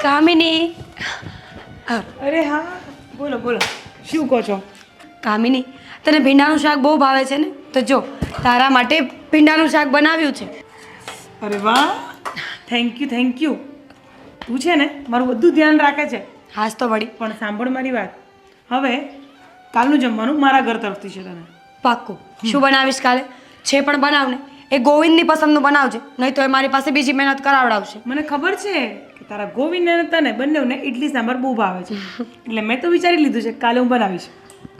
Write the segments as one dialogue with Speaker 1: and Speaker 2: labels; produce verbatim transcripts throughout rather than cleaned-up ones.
Speaker 1: કામિની
Speaker 2: અરે હા બોલો બોલો શું કહો છો?
Speaker 1: કામિની તને ભીંડાનું શાક બહુ ભાવે છે ને, તો જો તારા માટે ભીંડાનું શાક બનાવ્યું છે.
Speaker 2: અરે વાહ, થેન્ક યુ થેન્ક યુ. તું છે ને મારું બધું ધ્યાન રાખે છે.
Speaker 1: હાસ તો વળી.
Speaker 2: પણ સાંભળ મારી વાત, હવે કાલનું જમવાનું મારા ઘર તરફથી છે. તને
Speaker 1: પાક્કું. શું બનાવીશ કાલે? છે પણ બનાવ ને એ ગોવિંદની પસંદનું બનાવજે, નહીં તો એ મારી પાસે બીજી મહેનત કરાવડાવશે.
Speaker 2: મને ખબર છે કે તારા ગોવિંદ અને તને બંનેને ઇડલી સાંભાર બહુ ભાવે છે, એટલે મેં તો વિચારી લીધું છે કે કાલે હું બનાવીશ.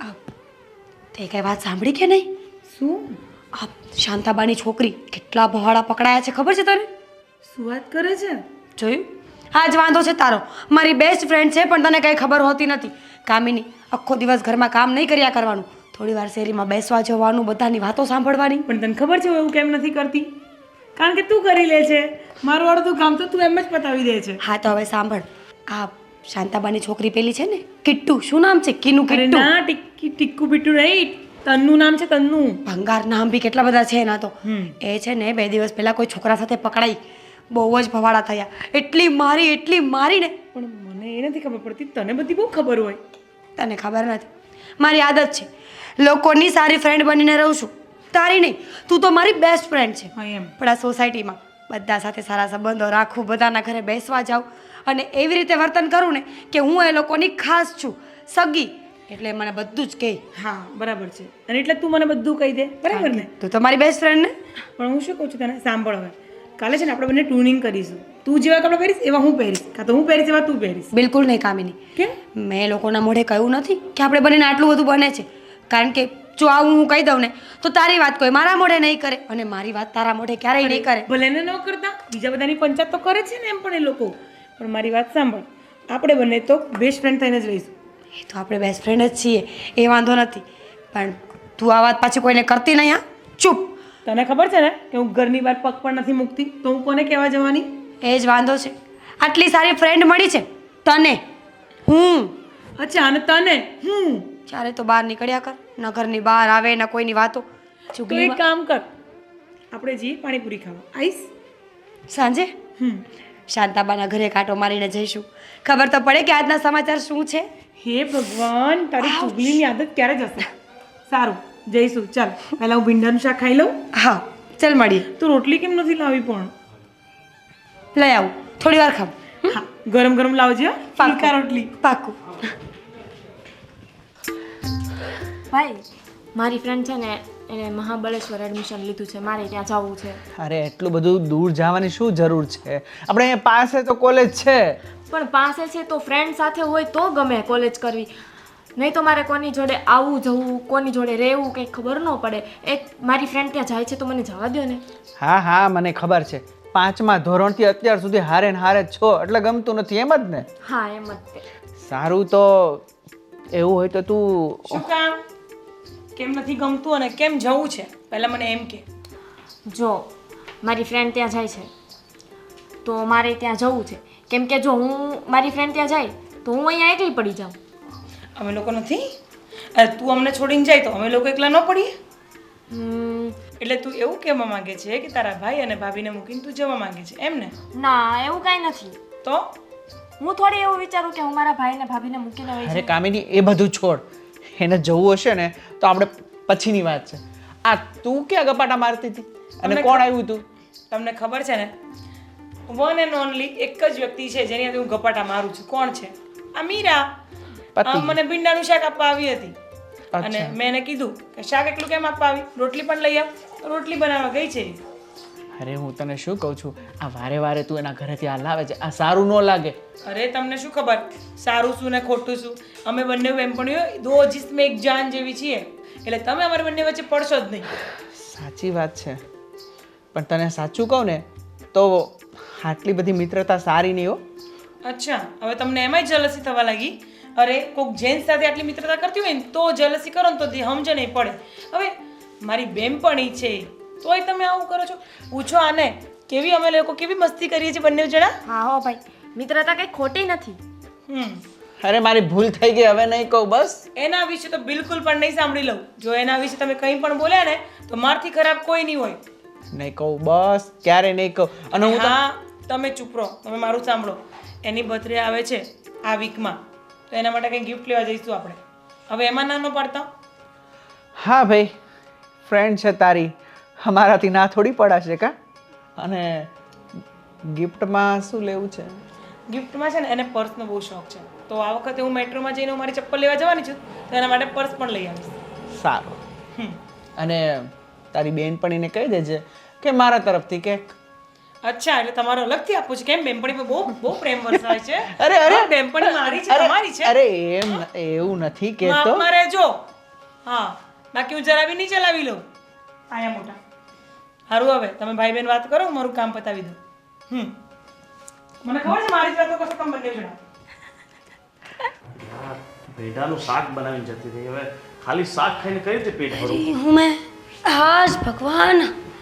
Speaker 1: તે કઈ વાત સાંભળી કે નહીં?
Speaker 2: શું?
Speaker 1: આ શાંતાબાની છોકરી કેટલા ભવાડા પકડાયા છે ખબર છે તને?
Speaker 2: શું વાત કરે છે?
Speaker 1: જોયું? આ જ વાંધો છે તારો. મારી બેસ્ટ ફ્રેન્ડ છે પણ તને કંઈ ખબર હોતી નથી. કામિની, આખો દિવસ ઘરમાં કામ નહીં કર્યા કરવાનું, થોડી વાર શેરીમાં બેસવા જવાનું, બધાની વાતો સાંભળવાની.
Speaker 2: પણ તને ખબર છે હું એવું કેમ નથી કરતી? કારણ કે તું કરી લે છે. મારું અડધું કામ તો તું એમ જ પતાવી દે છે.
Speaker 1: હા તો હવે સાંભળ, આ શાંતાબાની છોકરી પેલી છે ને કિટ્ટુ, શું નામ છે? કીનું
Speaker 2: અરે
Speaker 1: કિટ્ટુ.
Speaker 2: ના, ટિક્કી ટિક્કુ પીટુ નહીં, તન્નું નામ છે તન્નું.
Speaker 1: ભંગાર નામ બી કેટલા બધા છે એના તો.
Speaker 2: હમ.
Speaker 1: એ છે ને બે દિવસ પહેલા કોઈ છોકરા સાથે પકડાઈ, બહુ જ ભવાડા થયા, એટલી મારી એટલી મારી ને.
Speaker 2: પણ મને એ નથી ખબર પડતી, તને બધી બહુ ખબર હોય.
Speaker 1: તને ખબર નથી, મારી આદત છે લોકોની સારી ફ્રેન્ડ બનીને રહું છું, તારી નહીં. તું તો મારી બેસ્ટ ફ્રેન્ડ છે.
Speaker 2: હા એમ.
Speaker 1: પણ આ સોસાયટીમાં બધા સાથે સારા સંબંધો રાખું, બધાના ઘરે બેસવા જાઉં અને એવી રીતે વર્તન કરું ને કે હું એ લોકોની ખાસ છું, સગી, એટલે મને બધું જ કહે.
Speaker 2: હા બરાબર છે. અને એટલે તું મને બધું કહી દે, બરાબર ને?
Speaker 1: તું તો મારી બેસ્ટ ફ્રેન્ડ ને.
Speaker 2: પણ હું શું કહું છું તને, સાંભળ હવે. કાલે છે ને આપણે બંને ટ્યુનિંગ કરીશું. તું જેવા કપડાં પહેરીશ એવા હું પહેરીશ, કાં તો હું પહેરીશ એવા તું પહેરીશ.
Speaker 1: બિલકુલ નહીં કામિની.
Speaker 2: કેમ?
Speaker 1: મેં લોકોના મોઢે કહ્યું નથી કે આપણે બંનેને આટલું બધું બને છે, કારણ કે જો આવું હું કહી દઉં ને તો તારી વાત કોઈ મારા મોઢે નહીં કરે અને મારી વાત તારા મોઢે ક્યારેય નહીં કરે.
Speaker 2: ભલે ને ન કરતા, બીજા બધાની પંચાયત તો કરે છે ને એમ પણ એ લોકો. પણ મારી વાત સાંભળ, આપણે બંને તો બેસ્ટ ફ્રેન્ડ થઈને જ રહીશું.
Speaker 1: એ તો આપણે બેસ્ટ ફ્રેન્ડ જ છીએ, એ વાંધો નથી. પણ તું આ વાત પાછી કોઈને કરતી નહીં. હા ચૂપ.
Speaker 2: તને ખબર છે ને કે હું ઘરની બહાર પગ પણ નથી મૂકતી, તો હું કોને કહેવા જવાની?
Speaker 1: એ જ વાંધો છે. આટલી સારી ફ્રેન્ડ મળી છે તને, હું.
Speaker 2: અચ્છા, અને તને હું
Speaker 1: ચારે તો બહાર નીકળ્યા કર, ન ઘરની બહાર આવે ન કોઈની વાતો.
Speaker 2: તો એક કામ કર, આપણે જઈએ પાણીપુરી ખાવા. આઈશ?
Speaker 1: સાંજે
Speaker 2: હમ.
Speaker 1: શાંતાબાના ઘરે કાંટો મારીને જઈશું, ખબર તો પડે કે આજના સમાચાર શું છે.
Speaker 2: હે ભગવાન, તારી ચુગલીની આદત ક્યારે જશે? સારું, જઈશું. ચાલ, પહેલા હું ભીંડાનું શાક ખાઈ લઉં.
Speaker 1: હા ચાલ મળીએ.
Speaker 2: તું રોટલી કેમ નથી લાવી પણ?
Speaker 1: લઈ આવું, થોડી વાર ખાવ.
Speaker 2: હા, ગરમ ગરમ લાવજે. હો, ફાલકા રોટલી.
Speaker 1: પાકું.
Speaker 3: ભાઈ, મારી ફ્રેન્ડ છે ને એને મહાબળેશ્વર એડમિશન લીધું છે, મારે ત્યાં જવું છે.
Speaker 4: અરે એટલું બધું દૂર જવાની શું જરૂર છે? આપણે અહીંયા પાસે તો કોલેજ છે.
Speaker 3: પણ પાસે છે તો ફ્રેન્ડ સાથે હોય તો ગમે કોલેજ કરવી, નહીં તો મારે કોની જોડે આવવું જવું, કોની જોડે રહેવું કંઈ ખબર ન પડે. એક મારી ફ્રેન્ડ ત્યાં જાય છે તો મને જવા દો ને.
Speaker 4: હા હા મને ખબર છે, પાંચમા ધોરણથી અત્યાર સુધી હારે ને હારે જ છો એટલે ગમતું નથી એમ જ ને?
Speaker 3: હા એમ જ તે.
Speaker 4: સારું તો એવું હોય તો તું
Speaker 2: શું કામ? કેમ નથી ગમતું અને કેમ જવું છે પહેલા મને એમ કે.
Speaker 3: જો મારી ફ્રેન્ડ ત્યાં જાય છે તો મારે ત્યાં જવું છે, કેમ કે જો હું મારી ફ્રેન્ડ ત્યાં જાય તો હું અહીંયા એકલી પડી જાઉં.
Speaker 2: અમે લોકો નથી? અરે તું અમને છોડીને જાય તો અમે લોકો એકલા ન પડીએ?
Speaker 3: હમ,
Speaker 2: એટલે તું એવું કહેવા માંગે છે કે તારા ભાઈ અને ભાભીને મૂકીને તું જવા માંગે છે એમ ને?
Speaker 3: ના એવું કાંઈ નથી.
Speaker 2: તો
Speaker 3: હું થોડી એવું વિચારું કે હું મારા ભાઈને ભાભીને મૂકીને વહી
Speaker 4: અરે
Speaker 3: જાઉં.
Speaker 4: કામિની એ બધું છોડ, એને જવું હશે ને તો આપણે પછીની વાત છે. આ તું ક્યાં ગપાટા મારતી હતી અને
Speaker 2: તમને
Speaker 4: કોણ
Speaker 2: ખ-
Speaker 4: આવ્યું તું?
Speaker 2: તમને ખબર છે ને, વન એન્ડ ઓનલી એક જ વ્યક્તિ છે જેની હાથે હું ગપાટા મારું છું. કોણ છે? આ મીરા.
Speaker 4: પતિ.
Speaker 2: આ મને ભીંડાનું શાક આપવા આવી હતી અને
Speaker 4: અચ્છા.
Speaker 2: મેં એને કીધું કે શાક એટલું કેમ આપવા આવી, રોટલી પણ લઈ આવ. તો રોટલી બનાવવા ગઈ છે.
Speaker 4: અરે હું તને શું કહું છું, આ વારે વારે તું એના ઘરેથી આ લાવે છે, આ સારું ન લાગે.
Speaker 2: અરે તમને શું ખબર સારું શું ને ખોટું શું? અમે બંને બેનપણીઓ દો જિસ્મ એક જાન જેવી છીએ, એટલે તમે અમારી બંને વચ્ચે પડશો જ નહીં.
Speaker 4: સાચી વાત છે, પણ તને સાચું કહું ને તો આટલી બધી મિત્રતા સારી નહીં હો.
Speaker 2: અચ્છા, હવે તમને એમાંય જલસી થવા લાગી? અરે કોઈક જેન્ટ્સ સાથે આટલી મિત્રતા કરતી હોય ને તો જલસી કરો ને તો સમજ નહીં પડે. હવે મારી બેનપણી છે તોય તમે આવું કરો છો? પૂછો આને, કેવી અમે લોકો કેવી મસ્તી કરીએ છીએ બંને જણા.
Speaker 3: હા હો ભાઈ, મિત્રતા કંઈ ખોટી નથી.
Speaker 2: હમ
Speaker 4: અરે મારી ભૂલ થઈ ગઈ, હવે નહીં કહું બસ.
Speaker 2: એના વિશે તો બિલકુલ પણ નહીં સાંભળી લઉં. જો એના વિશે તમે કંઈ પણ બોલ્યા ને તો મારથી ખરાબ કોઈ નહીં હોય.
Speaker 4: નહીં કહું બસ, ક્યારે નહીં કહું. અને હું તો
Speaker 2: હા, તમે ચૂપ રહો, તમે મારું સાંભળો. એની બર્થડે આવે છે આ વીકમાં, તો એના માટે કંઈ ગિફ્ટ લેવા જઈશું આપણે. હવે એમાં ના ન પાડતા.
Speaker 4: હા ભાઈ, ફ્રેન્ડ છે તારી, અમારાથી ના થોડી પડાશે કા. અને ગિફ્ટમાં શું લેવું છે?
Speaker 2: ગિફ્ટમાં છે ને એને પર્સનો બહુ શોખ છે, તો આ વખતે હું મેટ્રોમાં જઈને હું મારી ચપ્પલ લેવા જવાની છું, તો એના માટે પર્સ પણ લઈ આવીશ.
Speaker 4: સારું.
Speaker 2: હમ.
Speaker 4: અને તારી બેનપણીને કહી દેજે કે મારા તરફથી કેક.
Speaker 2: અચ્છા, એટલે તમારો અલગથી આપવું છે કેમ? બેનપણી પર બહુ બહુ પ્રેમ વરસાય છે.
Speaker 4: અરે, અરે.
Speaker 2: હા, બેનપણી મારી છે, તમારી છે.
Speaker 4: અરે એમ ન- એવું નથી કહેતો.
Speaker 2: માપમાં રહેજો. હા, બાકી હું જરા બી નહીં ચલાવી લઉં. આયા મોટા. સારું, હવે તમે ભાઈ બહેન વાત કરો, હું મારું કામ પતાવી દઉં. હમ મને ખબર છે મારી જ વાતો કરશો તમે બંને જણા.
Speaker 5: યાર, ભેંડાનું શાક બનાવીને જતી રહી. હવે ખાલી શાક ખાઈને કઈ રીતે પેટ ભરું?
Speaker 1: હું મેં હાજ ભગવાન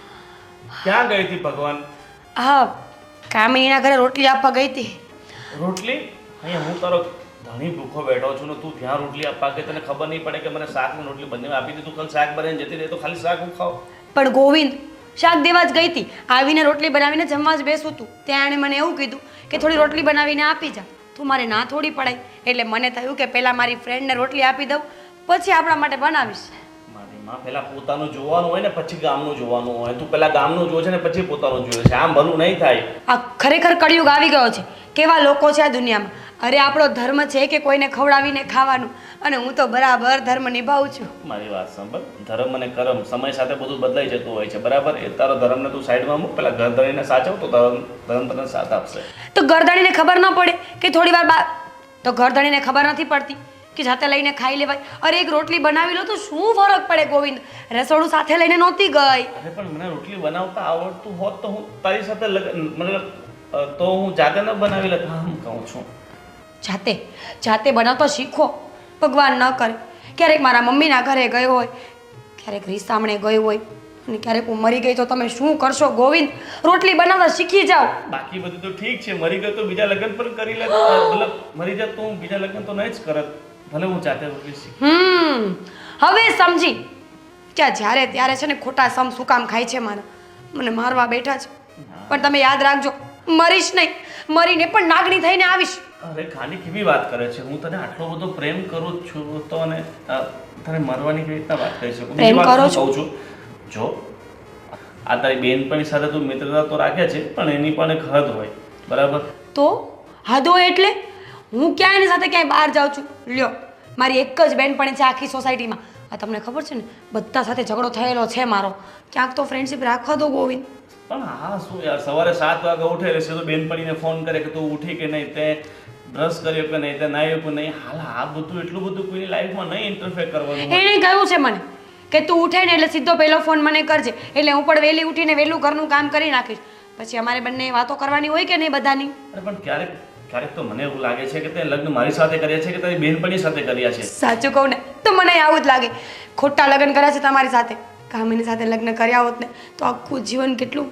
Speaker 5: ક્યાં ગઈ હતી ભગવાન?
Speaker 1: હા કામિનીના ઘરે રોટલી આપવા ગઈ હતી.
Speaker 5: રોટલી? અહીંયા હું તારો ધણી ભૂખો બેઠો છું ને તું ત્યાં રોટલી આપવા કે તને ખબર નહીં પડે કે મને શાક ને રોટલી બંને આપી દીધું. કાલ શાક બનાવીને જતી રહી તો ખાલી શાક હું ખાવ?
Speaker 1: પણ ગોવિંદ શાક દેવા જ ગઈ હતી, આવીને રોટલી બનાવીને જમવા જ બેસું હતું. ત્યાં એણે મને એવું કીધું કે થોડી રોટલી બનાવીને આપી જા. તું મારે ના થોડી પડાય, એટલે મને થયું કે પહેલાં મારી ફ્રેન્ડને રોટલી આપી દઉં, પછી આપણા માટે બનાવીશ.
Speaker 5: મારી માં પહેલા પોતાનું જોવાનું હોય ને પછી ગામનું જોવાનું હોય. તું પહેલા ગામનું જોવે છે ને પછી પોતાનું જોવે છે. આમ ભલું નહીં થાય.
Speaker 1: આ ખરેખર કળિયુગ આવી ગયો છે. કેવા લોકો છે આ દુનિયામાં. અરે આપણો ધર્મ છે કે કોઈને ખવડાવીને ખાવાનું, અને હું તો બરાબર ધર્મ નિભાવું છું.
Speaker 5: મારી વાત સાંભળ, ધર્મ અને કર્મ સમય સાથે બધું બદલાઈ જતું હોય છે, બરાબર? એ તારો ધર્મને તું સાઈડમાં મૂક, પેલા ઘર ધણીને સાચવ તો ધર્મ ધર્મ તને સાથ આપશે.
Speaker 1: તો ગરદણીને ખબર ન પડે કે થોડી વાર બા તો ગરદણીને ખબર નથી પડતી કે જાતે લઈને ખાઈ લેવાય. અરે એક રોટલી બનાવી લો તો શું ફરક પડે ગોવિંદ? રસોડું સાથે લઈને નહોતી ગઈ.
Speaker 5: અરે પણ મને રોટલી બનાવતા આવડતું હોત તો હું તારી સાથે લગ- મતલબ અ, તો હું જાતે ન બનાવી લેત. હા, હું કહું છું.
Speaker 1: જાતે જાતે બનાવતા શીખો. ભગવાન ન કરે ક્યારેક મારા મમ્મીના ઘરે ગયો હોય, ક્યારેક રીસામણે ગયો હોય, અને ક્યારેક હું મરી ગઈ તો તમે શું કરશો ગોવિંદ? રોટલી બનાવતા શીખી જાઓ.
Speaker 5: બાકી બધું તો ઠીક છે, મરી ગયો તો બીજા લગ્ન પણ કરી લે. મતલબ મરી જાત તો હું બીજા લગ્ન તો નહીં જ કરત. ભલે હું જાતે રોટલી શીખ.
Speaker 1: હમ હવે સમજી ક્યાં જ્યારે ત્યારે છે ને ખોટા સમ શું કામ ખાય છે મારા, મને મારવા બેઠા છે. પણ તમે યાદ રાખજો, મરીશ નહીં, મરીને પણ નાગણી થઈને આવીશ.
Speaker 5: અરે ખાલી કેવી વાત કરે છે? હું તને આટલો બધો પ્રેમ કરું જ છું તો અને અ, તને મરવાની કેવી રીતના વાત કરી શકું?
Speaker 1: પ્રેમ
Speaker 5: બીજી વાત
Speaker 1: કરો
Speaker 5: હું કહું છું, જો આ તારી બેનપણી સાથે તું મિત્રતા તો રાખે છે પણ એની પણ એક હદ હોય, બરાબર?
Speaker 1: તો હદો એટલે હું ક્યાં એની સાથે ક્યાંય બહાર જાઉં છું? લ્યો મારી એક જ બેનપણી છે આખી સોસાયટીમાં. આ તમને ખબર છે ને બધા સાથે ઝઘડો થયેલો છે મારો. ક્યાંક તો ફ્રેન્ડશિપ રાખવા દો ગોવિંદ.
Speaker 5: પણ હા શું યાર, સવારે સાત વાગે ઉઠે રહેશે તો બેનપણીને ફોન કરે કે તું ઉઠી કે નહીં, તે બ્રશ કર્યો કે નહીં, તે નાહ્યો કે નહીં. હાલ આ બધું એટલું બધું કોઈની લાઈફમાં નહીં ઇન્ટરફેર કરવાનું હોય.
Speaker 1: એણે કહ્યું છે મને કે તું ઉઠે ને એટલે સીધો પહેલો ફોન મને કરજે, એટલે હું પણ વહેલી ઉઠીને વહેલું ઘરનું કામ કરી નાખીશ. પછી અમારે બંને વાતો કરવાની હોય કે નહીં બધાની?
Speaker 5: અરે પણ ક્યારેક ક્યારેક તો મને એવું લાગે છે કે તે લગ્ન મારી સાથે કર્યા છે કે તારી બેનપણી સાથે કર્યા છે.
Speaker 1: સાચું કહું ને તો મને આવું જ લાગે. ખોટા લગ્ન કર્યા છે તમારી સાથે. કામિની સાથે લગ્ન કર્યા હોત ને તો આખું જીવન કેટલું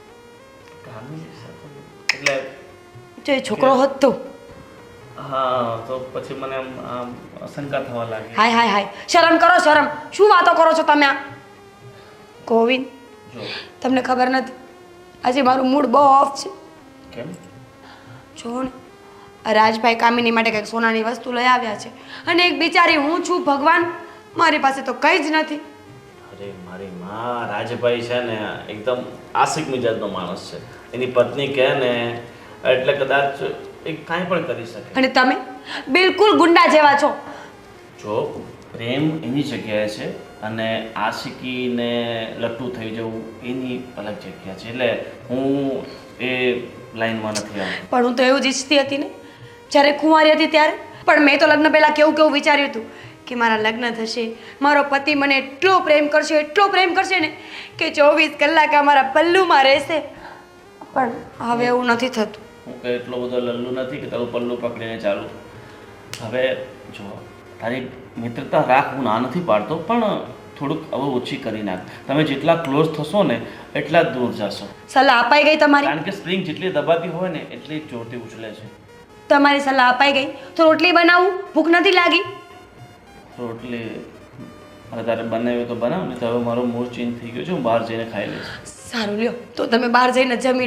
Speaker 5: એટલે
Speaker 1: જો એ છોકરો હોત તો.
Speaker 5: હા, તો પછી મને આમ આમ શંકા થવા લાગી.
Speaker 1: હાય હાય હાય શરમ કરો શરમ. શું વાતો કરો છો તમે આ? ગોવિંદ
Speaker 5: જો
Speaker 1: તમને ખબર નથી આજે મારું મૂડ બહુ ઓફ છે.
Speaker 5: કેમ?
Speaker 1: જો ને આ રાજભાઈ કામિની માટે કંઈક સોનાની વસ્તુ લઈ આવ્યા છે, અને એક બિચારી હું છું ભગવાન, મારી પાસે તો કંઈ જ નથી.
Speaker 5: અરે મારી માં, રાજભાઈ છે ને એકદમ આશિક મિજાજનો માણસ છે. એની પત્ની કહે ને એટલે કદાચ એ કાંઈ પણ કરી શકે.
Speaker 1: અને તમે બિલકુલ ગુંડા જેવા છો.
Speaker 5: જો પ્રેમ એની જગ્યાએ છે અને આશિકીને લટ્ટુ થઈ જવું એની અલગ જગ્યા છે. એટલે હું એ લાઈનમાં નથી આવતો.
Speaker 1: પણ હું તો એવું જ ઈચ્છતી હતી ને જ્યારે કુંવારી હતી ત્યારે. પણ મેં તો લગ્ન પહેલાં કેવું કેવું વિચાર્યું હતું કે મારા લગ્ન થશે, મારો પતિ મને એટલો પ્રેમ કરશે, એટલો પ્રેમ કરશે ને કે ચોવીસ કલાક અમારા પલ્લુમાં રહેશે. પણ હવે એવું નથી થતું.
Speaker 5: હું કંઈ એટલો બધો લલ્લુ નથી કે તારું પલ્લું પકડીને ચાલું. હવે જો તારી મિત્રતા રાખ, હું ના નથી પાડતો, પણ થોડુંક હવે ઓછી કરી નાખ. તમે જેટલા ક્લોઝ થશો ને એટલા જ દૂર જશો.
Speaker 1: સલાહ અપાઈ ગઈ તમારી?
Speaker 5: કારણ કે સ્પ્રિંગ જેટલી દબાતી હોય ને એટલી જ જોરથી ઉછળે છે.
Speaker 1: તમારી સલાહ અપાઈ ગઈ તો રોટલી બનાવું, ભૂખ નથી લાગી?
Speaker 5: રોટલી હવે તારે બનાવી તો બનાવ ને. તો હવે મારો મૂડ ચેન્જ થઈ ગયો છે, હું બહાર જઈને ખાઈ લઈશ.
Speaker 1: સારું લ્યો તો તમે બહાર જઈને જમી લો.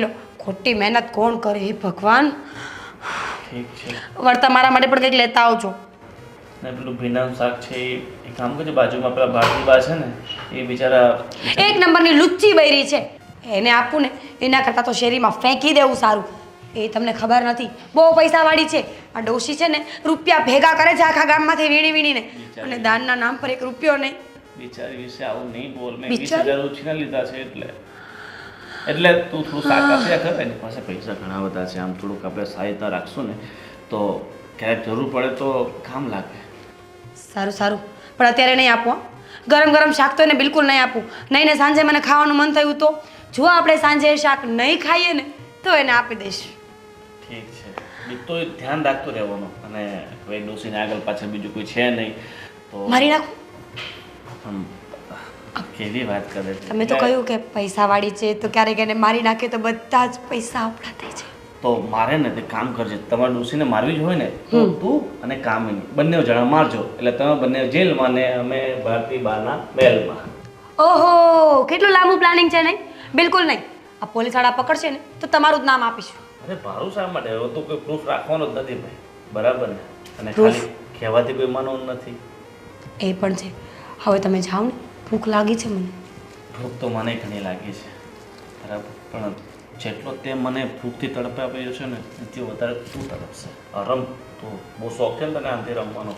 Speaker 1: ખોટી મહેનત કોણ કરે હે ભગવાન.
Speaker 5: ઠીક છે
Speaker 1: વળતા મારા માટે પણ કંઈક લેતા આવજો.
Speaker 5: ને પેલું ભીંડાનું શાક છે એ એ કામ કરજો, બાજુમાં પેલા ભારતીબા છે ને એ બિચારા
Speaker 1: એક નંબરની લુચ્ચી બૈરી છે, એને આપવું ને એના કરતાં તો શેરીમાં ફેંકી દેવું સારું. એ તમને ખબર નથી, બહુ પૈસાવાળી છે. આ ડોશી છે ને રૂપિયા ભેગા કરે છે આખા ગામમાંથી વીણી વીણીને, અને દાનના નામ પર એક રૂપિયો નહીં.
Speaker 5: બિચારી વિશે આવું નહીં બોલ. મેં વીસ
Speaker 1: બિચારી?
Speaker 5: હજાર ઉછીના લીધા છે એટલે એટલે તું થોડું શાક આપ્યા કર. એની પાસે પૈસા ઘણા બધા છે, આમ થોડુંક આપણે સહાયતા રાખશું ને તો ક્યારેક જરૂર પડે તો કામ લાગે.
Speaker 1: સારું સારું, પણ અત્યારે નહીં આપો હો. ગરમ ગરમ શાક તો એને બિલકુલ નહીં આપવું. નહીં ને સાંજે મને ખાવાનું મન થયું તો જો આપણે સાંજે એ શાક નહીં ખાઈએ ને તો એને આપી દઈશ.
Speaker 5: ઠીક છે, બીજું તો ધ્યાન રાખતો રહેવાનું. અને કોઈ ડોસીને આગળ પાછળ બીજું કોઈ છે નહીં તો
Speaker 1: મારી નાખું.
Speaker 5: આમ કેવી વાત કરે છે.
Speaker 1: તમે તો કહ્યું કે પૈસાવાળી છે તો ક્યારેક એને મારી નાખે તો બધા જ પૈસા આપણા થઈ જાય.
Speaker 5: તો મારે ને તે કામ કરજે, તમારે ડોસીને મારવી જ હોય ને તો તું અને કામિની બંને જણા મારજો, એટલે તમે બંને જેલમાં ને અમે ભારતી બાના મહેલમાં.
Speaker 1: ઓહો, કેટલું લાંબુ પ્લાનિંગ છે. નહીં, બિલકુલ નહીં. આ પોલીસવાળા પકડશે ને તો તમારું જ નામ આપીશું.
Speaker 5: અરે મારું શા માટે? હવે તો કોઈ પ્રૂફ રાખવાનો જ નથી ભાઈ, બરાબર ને? અને
Speaker 1: Proof?
Speaker 5: ખાલી કહેવાથી કોઈ માનવાનું નથી.
Speaker 1: એ પણ છે. હવે તમે જાઓ ને, ભૂખ લાગી છે મને.
Speaker 5: ભૂખ તો મને ઘણી લાગી છે, બરાબર, પણ જેટલો તે મને ભૂખથી તડપે આપ્યો છે ને એનાથી વધારે તું તડપશે. આ રમ તો બહુ શોખ છે ને તને આમથી રમવાનો.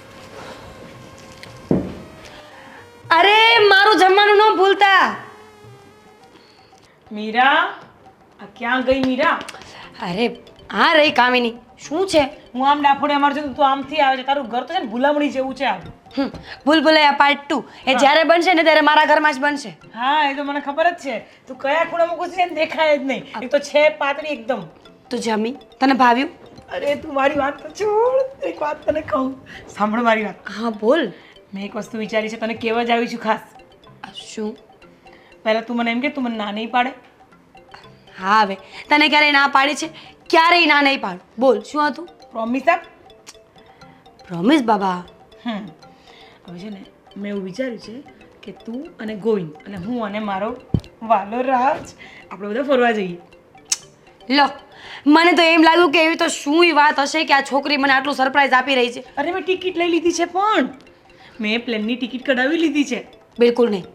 Speaker 1: અરે મારું જમવાનું ન ભૂલતા.
Speaker 2: મીરા, આ ક્યાં ગઈ મીરા?
Speaker 1: અરે હા રહી કામિની. શું છે?
Speaker 2: હું આમ ડાફોડે અમાર જોતું તું આમથી આવે છે. તારું ઘર તો છે ને ભૂલામણી જેવું છે આ.
Speaker 1: હમ, ભૂલભુલૈયા પાર્ટ ટુ એ જ્યારે બનશે ને ત્યારે મારા ઘરમાં જ બનશે.
Speaker 2: હા, એ તો મને ખબર જ છે. તું કયા ખૂણામાં ઘૂસી જાય ને દેખાય જ નહીં. એક તો છે પાતળી એકદમ.
Speaker 1: તું જમી, તને ભાવ્યું?
Speaker 2: અરે તું મારી વાત તો છોડ, એક વાત તને કહું. સાંભળ મારી વાત.
Speaker 1: હા બોલ.
Speaker 2: મેં એક વસ્તુ વિચારી છે, તને કહેવા જ આવી છું ખાસ.
Speaker 1: આ શું?
Speaker 2: પહેલા તું મને એમ કે તું મને ના નહીં પાડે.
Speaker 1: હા હવે તને ક્યારેય ના પાડી છે? ક્યારેય ના નહીં પાડું. બોલ શું હતું?
Speaker 2: પ્રોમિસ આપ.
Speaker 1: પ્રોમિસ બાબા.
Speaker 2: હમ હવે છે ને મેં એવું વિચાર્યું છે કે તું અને ગોવિંદ અને હું અને મારો વાલો રાજ આપણે બધા ફરવા જઈએ.
Speaker 1: લો, મને તો એમ લાગ્યું કે એવી તો શું વાત હશે કે આ છોકરી મને આટલું સરપ્રાઈઝ આપી રહી છે.
Speaker 2: અરે મેં ટિકિટ લઈ લીધી છે, પણ મેં પ્લેનની ટિકિટ કઢાવી લીધી છે.
Speaker 1: બિલકુલ નહીં.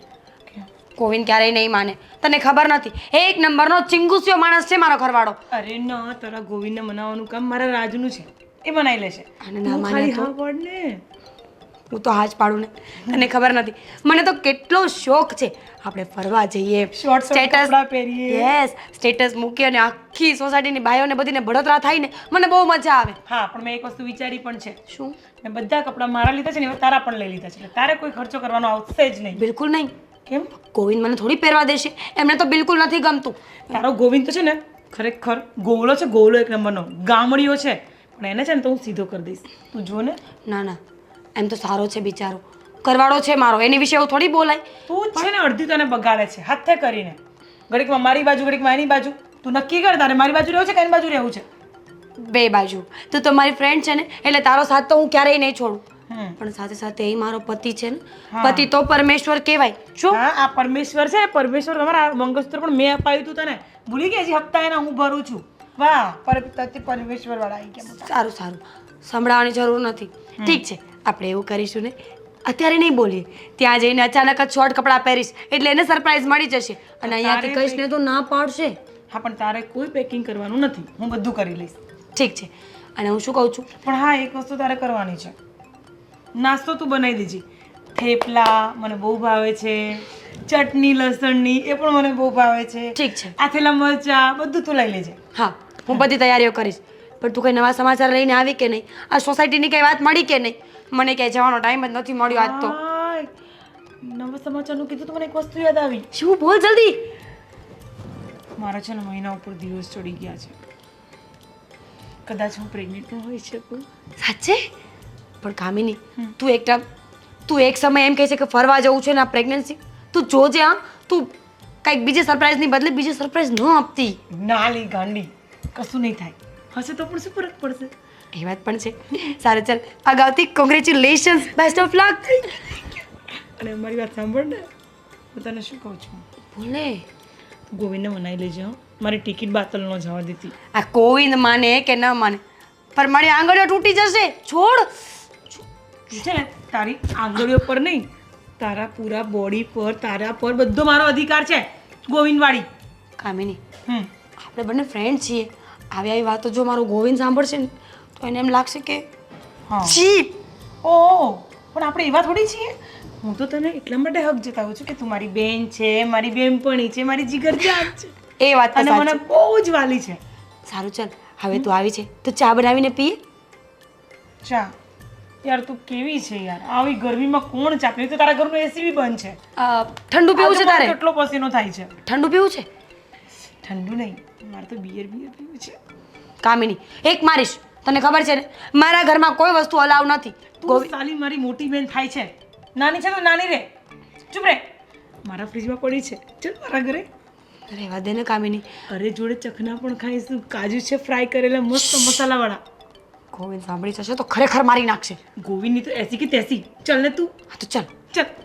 Speaker 1: કોવિન ક્યારેય નહીં માને. તને ખબર નથી, એક નંબરનો ચિંગુસિયો માણસ છે મારો ઘરવાળો.
Speaker 2: અરે ના, તારા ગોવિંદને મનાવવાનું કામ મારા રાજનું છે, એ બનાવી લેશે.
Speaker 1: અને ના
Speaker 2: તું
Speaker 1: માને
Speaker 2: ખાલી
Speaker 1: તો?
Speaker 2: હા પાડ ને.
Speaker 1: હું તો હાજ પાડું ને. તને ખબર નથી, મને તો કેટલો શોખ છે આપણે ફરવા જઈએ,
Speaker 2: Short short કપડાં પહેરીએ.
Speaker 1: યસ, સ્ટેટસ મૂકીએ અને આખી સોસાયટીની બાઈઓને બધીને બળતરા થાય ને મને બહુ મજા આવે.
Speaker 2: હા, પણ મેં એક વસ્તુ વિચારી પણ છે.
Speaker 1: શું?
Speaker 2: મેં બધા કપડાં મારા લીધા છે ને, હવે તારા પણ લઈ લીધા છે, એટલે તારે કોઈ ખર્ચો કરવાનો આવશે જ નહીં.
Speaker 1: બિલકુલ નહીં.
Speaker 2: કેમ?
Speaker 1: ગોવિંદ મને થોડી પહેરવા દેશે, એમને તો બિલકુલ નથી ગમતું.
Speaker 2: તારો ગોવિંદ તો છે ને ખરેખર ગોળો છે, ગોળો એક નંબરનો ગામડીઓ છે, પણ એને છે ને તો હું સીધો કરી દઈશ. તું જો ને.
Speaker 1: ના ના, એમ તો સારો છે બિચારો, કરવાળો છે મારો, એની વિશે એવું થોડી બોલાય.
Speaker 2: તું જ છે ને અડધી તને બગાડે છે હાથે કરીને. ઘડીકમાં મારી બાજુ, ઘડીકમાં એની બાજુ. તું નક્કી કર તારે મારી બાજુ રહેવું છે કે એની બાજુ રહેવું છે.
Speaker 1: બે બાજુ. તું તો મારી ફ્રેન્ડ છે ને, એટલે તારો સાથ તો હું ક્યારેય નહીં છોડું.
Speaker 2: હમ.
Speaker 1: પણ સાથે સાથે એ મારો પતિ છે ને,
Speaker 2: હા.
Speaker 1: પતિ તો પરમેશ્વર કહેવાય. શું?
Speaker 2: હા, આ પરમેશ્વર છે, પરમેશ્વર તમારા મંગળસૂત્ર પણ મેં અપાયું તું તને, ભૂલી ગઈ હજી હપ્તા એના હું ભરું છું. વાહ, પર પરમેશ્વર વાળા આવી ગયા મોટા.
Speaker 1: સારું સારું, સંભળાવવાની જરૂર નથી. ઠીક છે, આપણે એવું કરીશું ને, અત્યારે નહીં બોલીએ, ત્યાં જઈને અચાનક જ શોર્ટ કપડાં પહેરીશ એટલે એને સરપ્રાઈઝ મળી જશે, અને અહીંયાથી કહીશ ને તો ના પાડશે.
Speaker 2: હા, પણ તારે કોઈ પેકિંગ કરવાનું નથી, હું બધું કરી લઈશ.
Speaker 1: ઠીક છે. અને હું શું કહું છું,
Speaker 2: પણ હા, એક વસ્તુ તારે કરવાની છે. નાસ્તો તું બનાવી દેજે. થેપલા મને બહુ ભાવે છે, ચટણી લસણની એ પણ મને બહુ ભાવે છે.
Speaker 1: ઠીક છે.
Speaker 2: આથેલા મરચા બધું તું લઈ લેજે.
Speaker 1: હા, હું બધી તૈયારીઓ કરીશ. પણ તું કંઈ નવા સમાચાર લઈને આવી કે નહીં? આ સોસાયટીની કંઈ વાત મળી કે નહીં? મને ક્યાંય જવાનો ટાઈમ જ નથી મળ્યો આજ તો.
Speaker 2: હાય, નવા સમાચારનું કીધું તો મને એક વસ્તુ યાદ આવી.
Speaker 1: શું? બોલ જલ્દી.
Speaker 2: મારા છે ને મહિના ઉપર દિવસ ચડી ગયા છે. કદાચ હું પ્રેગ્નેન્ટ પણ હોઈ શકું.
Speaker 1: સાચે? પણ કામિની, તું એક ટાઈમ તું એક સમય એમ કહે છે કે ફરવા જવું છે ને આ પ્રેગ્નન્સી, તું જોજે. હા, તું કંઈક બીજી સરપ્રાઈઝની બદલે બીજી સરપ્રાઈઝ ન આપતી.
Speaker 2: ના લી ગાંડી, કશું નહીં થાય. હશે તો પણ શું ફરક પડશે?
Speaker 1: એ વાત પણ છે. સારું ચાલ, અગાઉથી કોંગ્રેચ્યુલેશન્સ, બેસ્ટ ઓફ લક.
Speaker 2: અને મારી વાત સાંભળ ને, હું તને શું કહું છું,
Speaker 1: બોલે.
Speaker 2: ગોવિંદને મનાઈ લેજે. હો, મારી ટિકિટ બાતલ ન જવા દેતી.
Speaker 1: આ ગોવિંદ માને કે ન માને પણ મારી આંગળીઓ તૂટી જશે. છોડ.
Speaker 2: છે ને તારી આંગળીઓ પર નહીં, તારા પૂરા બોડી પર, તારા પર બધો મારો અધિકાર છે ગોવિંદવાળી.
Speaker 1: કામિની,
Speaker 2: હમ
Speaker 1: આપણે બંને ફ્રેન્ડ છીએ. આવી આવી વાતો જો મારો ગોવિંદ સાંભળશે ને તો એને એમ લાગશે કે
Speaker 2: હા
Speaker 1: છી.
Speaker 2: ઓહ, પણ આપણે એવા થોડી છીએ. હું તો તને એટલા માટે હક જતાવું છું કે તું મારી બેન છે, મારી બેનપણી છે, મારી જીગરજાન છે
Speaker 1: એ વાત તો
Speaker 2: અને મને
Speaker 1: સાચી.
Speaker 2: બહુ જ વાલી છે.
Speaker 1: સારું ચાલ, હવે તું આવી છે તો ચા બનાવીને પીએ.
Speaker 2: ચા? યાર તું કેવી છે યાર, આવી ગરમીમાં કોણ ચા પીવે? તો તારા ઘરનું એસી બી બંધ છે.
Speaker 1: અ, ઠંડુ પીવું છે
Speaker 2: આજે
Speaker 1: તારે?
Speaker 2: મને કેટલો પસીનો થાય છે.
Speaker 1: ઠંડુ પીવું છે?
Speaker 2: ઠંડુ નહીં, મારે તો બિયર બિયર પીવું છે.
Speaker 1: કામિની, એક મારીશ. તને ખબર છે ને મારા ઘરમાં કોઈ વસ્તુ અલાવ નથી.
Speaker 2: તું સાલી મારી મોટી બેન થાય છે, નાની છે તો નાની રે. ચૂપ રે. મારા ફ્રીજમાં પડી છે, ચલ મારા ઘરે.
Speaker 1: રહેવા દે ને કામિની.
Speaker 2: અરે જોડે ચખના પણ ખાઈશું. કાજુ છે ફ્રાય કરેલા મસ્ત મસાલાવાળા.
Speaker 1: ગોવિંદ સાંભળી જશે તો ખરેખર મારી નાખશે.
Speaker 2: ગોવિંદની તો એસી કે તેસી. ચલ ને તું.
Speaker 1: હા તો ચાલ.
Speaker 2: ચલ.